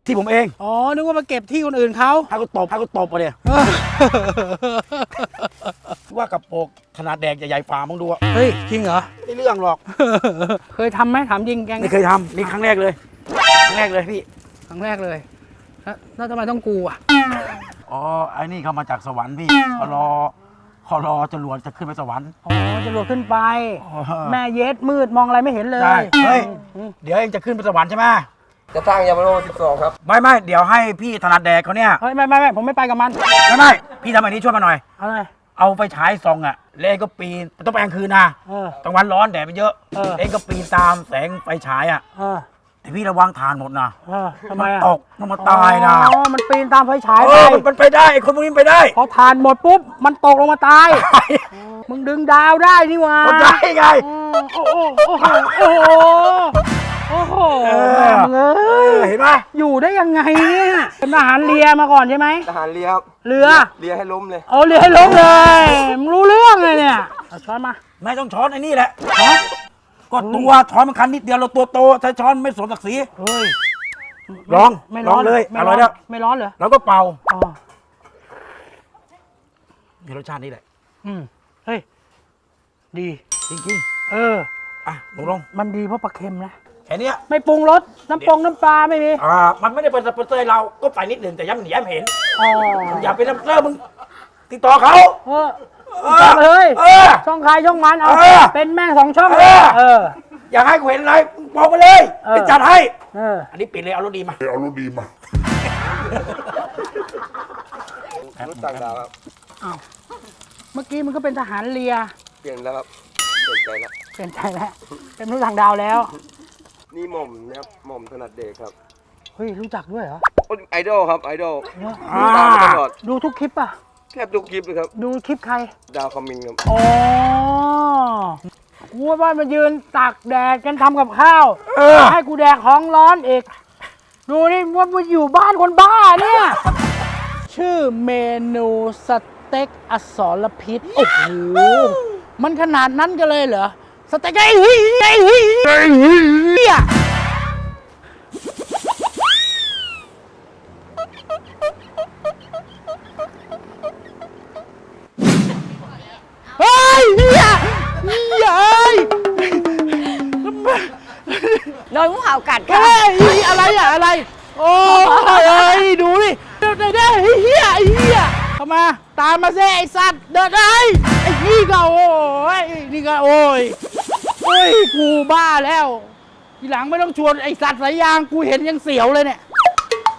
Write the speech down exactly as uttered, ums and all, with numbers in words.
ที่ผมเองอ๋อนึกว่ามาเก็บที่คนอื่นเขาให้กูตบให้กูตบไปเลยว่ากระโปรงขนาดแดกใหญ่ๆฝ่ามึงดูอะเฮ้ยจริงเหรอไม่เรื่องหรอกเคยทำไหมถามจริงแกงไม่เคยทำนี่ครั้งแรกเลยครั้งแรกเลยพี่ครั้งแรกเลยแล้วแล้วทำไมต้องกูอ่ะอ๋อไอ้นี่เขามาจากสวรรค์พี่เขารอเขารอจรวดจะขึ้นไปสวรรค์อ๋อจะรวดขึ้นไปอ๋อแม่เย็ดมืดมองอะไรไม่เห็นเลยใช่เฮ้ยอืมเดี๋ยวเองจะขึ้นไปสวรรค์ใช่ไหมจะสร้างยามาโนสิบสองครับไม่ไม่เดี๋ยวให้พี่ถนัดแดกเขาเนี่ยเฮ้ยไม่ไม่ไม่ผมไม่ไปกับมันไม่ไม่พี่ทำอันนี้ช่วยมาหน่อยอะไรเอาไปฉายส่องอะแล้วเองก็ปีนต้องไปกลางคืนนะเออกลางวันร้อนแดดมันเยอะเออเองก็ปีนตามแสงไฟฉายอะเออแต่พี่ระวังทานหมดนะเออทำไมมันอ่ะตกมันมาตายนะอ๋อมันปีนตามไฟฉายเอไปอมันมันไปได้ไอ้คนพวกนี้มันไปได้พอทานหมดปุ๊บมันตกลงมาตาย มึงดึงดาวได้นี่หว่าคนได้ไงอืมโอ้โหโอ้โหโอ้โหโอ้โหเออแม่มึงเอ้เอย อเห็นไหมอยู่ได้ยังไงเนี่ยเป็นทหารเรือมาก่อนใช่ไหมทหารเรือครับเรือเรือให้ล้มเลยเอาเรือให้ล้มเลยมึงรู้เรื่องเลยเนี่ยเอาช้อนมาไม่ต้องช้อนไอ้นี่แหละก็ตัวช้อนมันคันนิดเดียวเราตัวโตใช้ช้อนไม่สมศักดิ์ศรีเฮ้ยลองไม่ลร้ออง นเลยไม่อร่อยแล้วไม่ร้อนเหรอแล้วก็เป่าอ๋อมีรสชาตินี้แหละอืมเฮ้ยดีจริงเออๆอ่ะลงลงมันดีเพราะปลาเค็มนะแค่เนี้ยไม่ปรุงรสน้ำปงน้ำปลาไม่มีอ่ามันไม่ได้เป็นสปอนเซอร์เราก็ใส่นิดหนึ่งแต่ย้ำหนีย้ำเห็นอ๋ออย่าเป็นสปอนเซอร์มึงติดต่อเขาเออเอจัอบเลยเออช่องใครช่องมันเอาเออเป็นแม่งสองช่องเออเอออยากให้กูเห็นอะไรมึงบอกมาเลยเออไปจัดให้เอออันนี้ปิดเลยเอารถดีมาเอารถดีมารถต่างดาวครับเอาเมื่อกี้มันก็เป็นทหารเรือเปลี่ยนแล้วครับ เปลี่ยนใจแล้วเปลี่ยนใจแล้วเป็นมนุษย์ต่างดาวแล้วนี่หม่อมนะครับ หม่อมถนัดเด็กครับเฮ้ยรู้จักด้วยเหรอโอ้ยไอดอลครับ ไอดอลอ่าตามมาตลอดดูทุกคลิปป่ะแทบทุกคลิปเลยครับดูคลิปใครดาวคอมมิงครับอ๋อกูว่าบ้านมายืนตากแดดกันทำกับข้าวเออให้กูแดกของร้อนอีก ดูนี่ว่ามันอยู่บ้านคนบ้าเนี่ย ชื่อเมนูสเต็กอสรพิษ โอ้โห มันขนาดนั้นกันเลยเหรอ สเต็กไอ้เฮ้ยไอ้เฮ้ยไอ้เฮ้ยเฮ้ยเฮียเฮียเอ้ยโดนงูเห่ากัดค่ะเฮ้ยอะไรอะอะไร โอ้ยเอ้ยดูดิเดินได้ไอ้เฮียไอ้เฮียเข้ามาตามมาเซ่ไอ้สัตว์เดินได้ไอ้นี่ก็โอ้ยนี่ก็โอ้ยโอ้ยกูบ้าแล้วทีหลังไม่ต้องชวนไอ้สัตว์สายยางกูเห็นยังเสียวเลยเนี่ย